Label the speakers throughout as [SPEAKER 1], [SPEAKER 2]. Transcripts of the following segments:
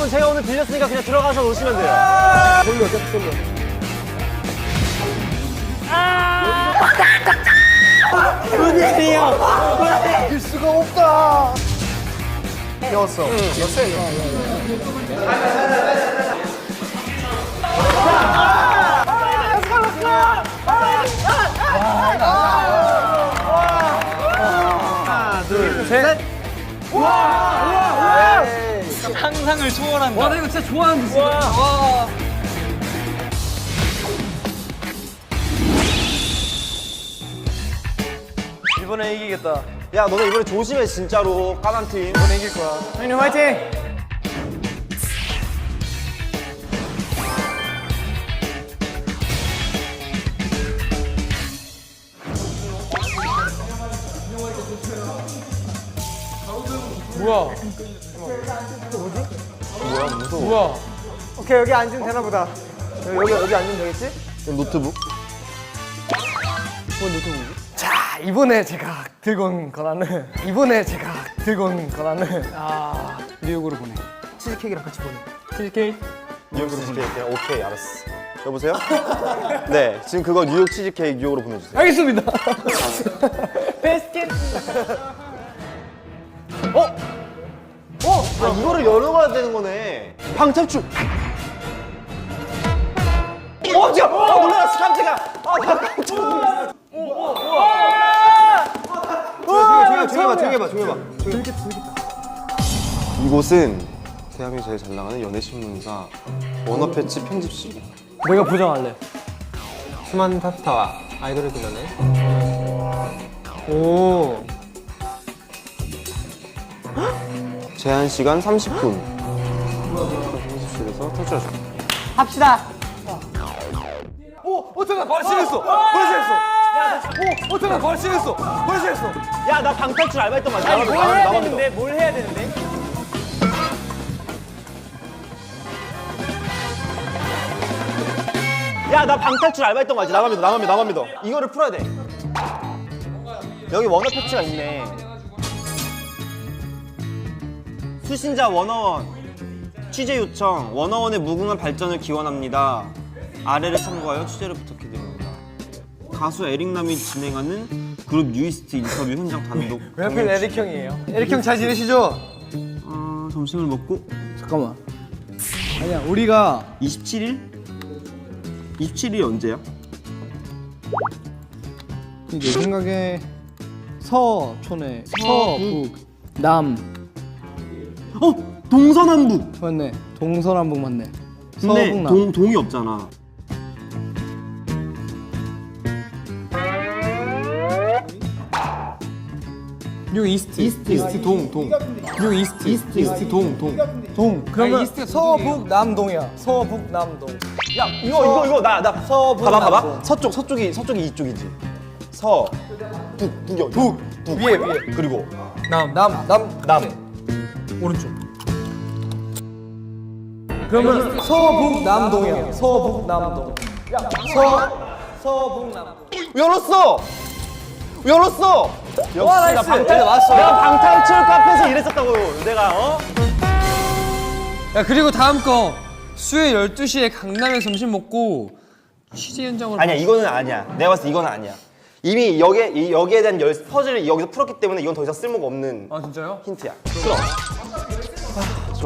[SPEAKER 1] 여러분 제가 오늘 빌렸으니까 그냥 들어가서 오시면 돼요.
[SPEAKER 2] 돌려, 계속 돌려.
[SPEAKER 1] 문이에요.
[SPEAKER 2] 빌 수가 없다. 배웠어.
[SPEAKER 1] 하나, 둘, 셋.
[SPEAKER 3] 상상을 초월한다.
[SPEAKER 4] 와, 나 이거 진짜 좋아하는데, 진짜. 와.
[SPEAKER 1] 이번에 이기겠다. 야, 너네 이번에 조심해 진짜로. 까만 팀.
[SPEAKER 2] 이번에 이길 거야.
[SPEAKER 1] 형님 화이팅.
[SPEAKER 4] 뭐야?
[SPEAKER 1] 뭐야, 무서워.
[SPEAKER 4] 뭐야?
[SPEAKER 2] 오케이, 여기 앉으면 되나 보다. 여기 앉으면 되겠지?
[SPEAKER 1] 노트북?
[SPEAKER 2] 자, 이번에 제가 들고 온 권한은
[SPEAKER 4] 뉴욕으로 보내.
[SPEAKER 2] 치즈케이크랑 같이 보내.
[SPEAKER 4] 치즈케이크?
[SPEAKER 1] 뉴욕 치즈케이크. 오케이, 알았어. 여보세요? 네, 지금 그거 뉴욕 치즈케이크 뉴욕으로 보내주세요.
[SPEAKER 4] 알겠습니다.
[SPEAKER 1] 아, 이거를 열어가야 되는 거네. 방탈출. 지금 놀라웠어 깜짝이야. 나 깜짝 놀랐어. 조용히 해봐. 이곳은 대한민국 제일 잘 나가는 연예신문사 워너패치 편집실.
[SPEAKER 4] 내가 보장할래.
[SPEAKER 2] 수많은 탑스타와 아이돌을 불러내.
[SPEAKER 4] 오.
[SPEAKER 1] 제한 시간 30분. 편집실에서 탈출하자.
[SPEAKER 2] 합시다.
[SPEAKER 4] 잠깐 발신했어. 잠깐 발신했어.
[SPEAKER 1] 야, 나 방탈출 알바했던 거 맞아?
[SPEAKER 3] 뭘 해야 되는데?
[SPEAKER 1] 야, 나 방탈출 알바했던 거 알지? 나만 믿어. 이거를 풀어야 돼. 여기 원어 패치가 있네. 수신자 원어원 취재 요청. 원어원의 무궁한 발전을 기원합니다. 아래를 참고하여 취재를 부탁해드립니다. 가수 에릭남이 진행하는 그룹 뉴이스트 인터뷰 현장 단독.
[SPEAKER 2] 왜 하필 에릭 형이에요? 에릭 형 잘 지내시죠?
[SPEAKER 1] 점심을 먹고
[SPEAKER 4] 잠깐만. 아니야, 우리가
[SPEAKER 1] 27일? 27일이 언제야?
[SPEAKER 4] 내 생각에 서촌에 서북 남
[SPEAKER 1] 동서남북.
[SPEAKER 4] 맞네. 동서남북 맞네.
[SPEAKER 1] 근데
[SPEAKER 4] 서북남.
[SPEAKER 1] 동이 없잖아.
[SPEAKER 4] 뉴 이스트 동. 뉴 이스트 동.
[SPEAKER 2] 그러면 서북 남동이야. 서북 남동.
[SPEAKER 1] 야, 이거 나
[SPEAKER 2] 서북
[SPEAKER 1] 봐봐.
[SPEAKER 2] 남동.
[SPEAKER 1] 서쪽이 이쪽이지. 북
[SPEAKER 2] 위에.
[SPEAKER 1] 그리고
[SPEAKER 2] 남.
[SPEAKER 4] 오른쪽.
[SPEAKER 2] 그러면 서북 남동이야. 서북 남동. 서북 남동.
[SPEAKER 1] 열었어. 역시
[SPEAKER 2] 나이스.
[SPEAKER 1] 나 방탈
[SPEAKER 2] 네, 왔어.
[SPEAKER 1] 내가 방탈출 카페에서 일했었다고. 내가
[SPEAKER 4] 야, 그리고 다음 거 수요일 12시에 강남에 점심 먹고 취재 현장으로.
[SPEAKER 1] 아니야, 이거는 아니야. 내가 봤을 때 이거는 아니야. 이미 여기에 대한 퍼즐을 여기서 풀었기 때문에 이건 더 이상 쓸모가 없는
[SPEAKER 4] 아, 진짜요?
[SPEAKER 1] 힌트야. 풀어. 좋아.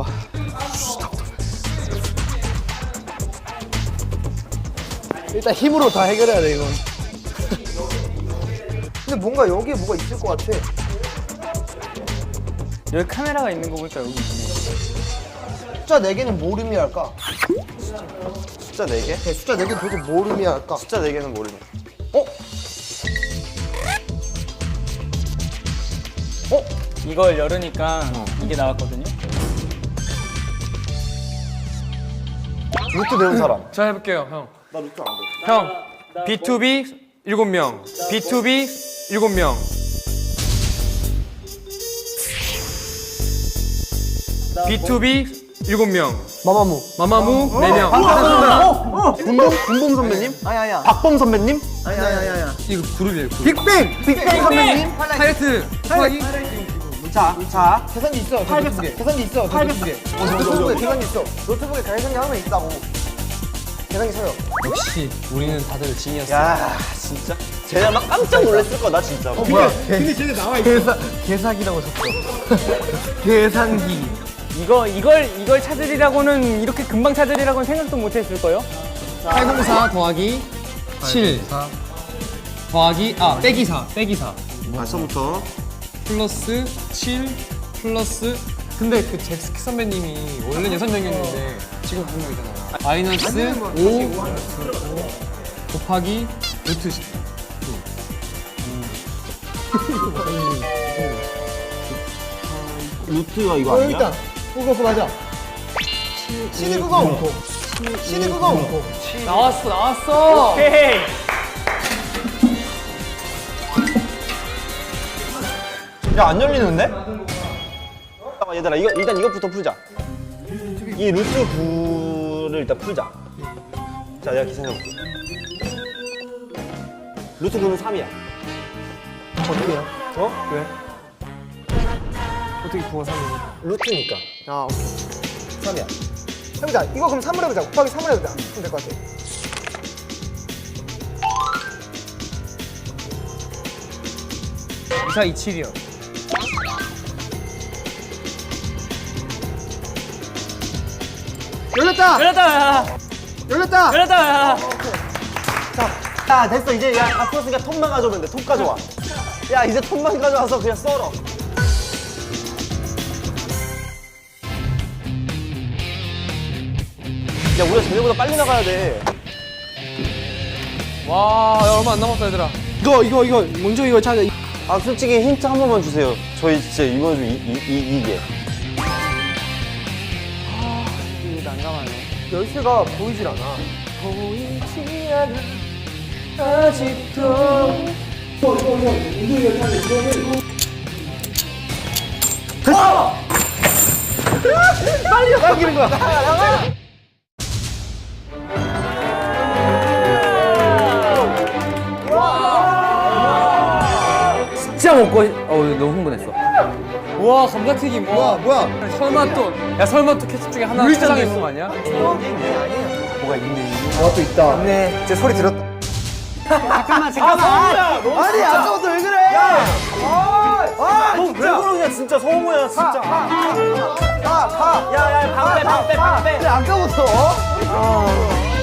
[SPEAKER 2] 일단 힘으로 다 해결해야 돼, 이건. 근데 뭔가 여기에 뭐가 있을 것 같아.
[SPEAKER 3] 여기 카메라가 있는 거 보니까 여기 있네.
[SPEAKER 2] 숫자 4개는 뭘 의미할까?
[SPEAKER 1] 숫자 4개?
[SPEAKER 2] 숫자 4개는 도대체 뭘 의미할까?
[SPEAKER 1] 숫자 4개는 모르네.
[SPEAKER 3] 이걸 열으니까 이게 나왔거든요.
[SPEAKER 1] 루트 배운 사람.
[SPEAKER 4] 자, 해볼게요, 형.
[SPEAKER 1] 나 루트 안 돼.
[SPEAKER 4] 형, B2B 7명, B2B 7명. B2B 7명,
[SPEAKER 2] 마마무.
[SPEAKER 4] 마마무 4명.
[SPEAKER 1] 군범 선배님?
[SPEAKER 2] 아니야.
[SPEAKER 1] 박범 선배님?
[SPEAKER 2] 아니야.
[SPEAKER 4] 이거 그룹이에요, 그룹.
[SPEAKER 2] 빅뱅 선배님.
[SPEAKER 4] 하이라이트, 소화기.
[SPEAKER 1] 자.
[SPEAKER 2] 계산기 있어.
[SPEAKER 1] 800.
[SPEAKER 2] 계산기 있어.
[SPEAKER 1] 800.
[SPEAKER 2] 노트북에 계산기 있어. 노트북에 계산기 하나 있다고. 계산기 서요.
[SPEAKER 4] 역시 우리는 다들 지니어스.
[SPEAKER 1] 야, 진짜. 쟤네 막 깜짝 놀랐을 거다, 진짜.
[SPEAKER 2] 뭐야? 근데 쟤네 나와 있어. 계산기라고 쳤어. 계산기.
[SPEAKER 3] 이걸 찾으리라고는 이렇게 금방 찾으리라고는 생각도 못 했을 거요.
[SPEAKER 4] 804 더하기 7 더하기 빼기 4
[SPEAKER 1] 벌써부터.
[SPEAKER 4] 플러스 7 플러스 근데 그 잭스키 선배님이 원래 6명이었는데 지금 9명이잖아요. 마이너스 5 곱하기 루트 10.
[SPEAKER 1] 루트가 이거 아니야?
[SPEAKER 2] 일단 그거 맞아. C는 그거. C는 그거.
[SPEAKER 4] 나왔어.
[SPEAKER 3] 오케이.
[SPEAKER 1] 야, 안 열리는데? 잠깐만, 얘들아, 일단 이것부터 풀자. 이 루트 9를 일단 풀자. 자, 내가 계산해볼게. 루트 9는 3이야.
[SPEAKER 2] 어떻게요?
[SPEAKER 1] 어? 왜?
[SPEAKER 2] 어떻게 9가 3이야?
[SPEAKER 1] 루트니까.
[SPEAKER 2] 아, 오케이.
[SPEAKER 1] 3이야.
[SPEAKER 2] 해보자. 이거 그럼 3을 해보자. 곱하기 3을 해보자. 그럼 될 것 같아.
[SPEAKER 4] 2427이요.
[SPEAKER 2] 열렸다.
[SPEAKER 3] 열렸다.
[SPEAKER 2] 열렸다.
[SPEAKER 3] 열렸다.
[SPEAKER 1] 야, 됐어. 이제 다 풀었으니까 톱만 가져오면 돼. 톱 가져와. 야, 이제 톱만 가져와서 그냥 썰어. 야, 우리가 쟤네보다 빨리 나가야 돼.
[SPEAKER 4] 와, 야, 얼마 안 남았다 얘들아.
[SPEAKER 2] 이거 먼저 이거 찾아.
[SPEAKER 1] 아, 솔직히 힌트 한 번만 주세요. 저희 진짜 이번 주 이게.
[SPEAKER 2] 열쇠가 보이질 않아. 보이지 않아. 아직도. 빨리 나가기는 거야. 나가.
[SPEAKER 3] 진짜 먹고 너무 흥분했어.
[SPEAKER 4] 우와, 감자튀김. 와,
[SPEAKER 2] 뭐야?
[SPEAKER 4] 설마 또 캐치 중에 하나 추상했는 거 아니야?
[SPEAKER 2] 뭐가 있네. 또 있다. 맞네. 제 소리 들었다.
[SPEAKER 3] 잠깐만.
[SPEAKER 2] 아니 아까부터 왜 그래?
[SPEAKER 1] 너 왜 그러냐, 진짜 성우야, 진짜.
[SPEAKER 3] 야, 방패.
[SPEAKER 2] 아까부터.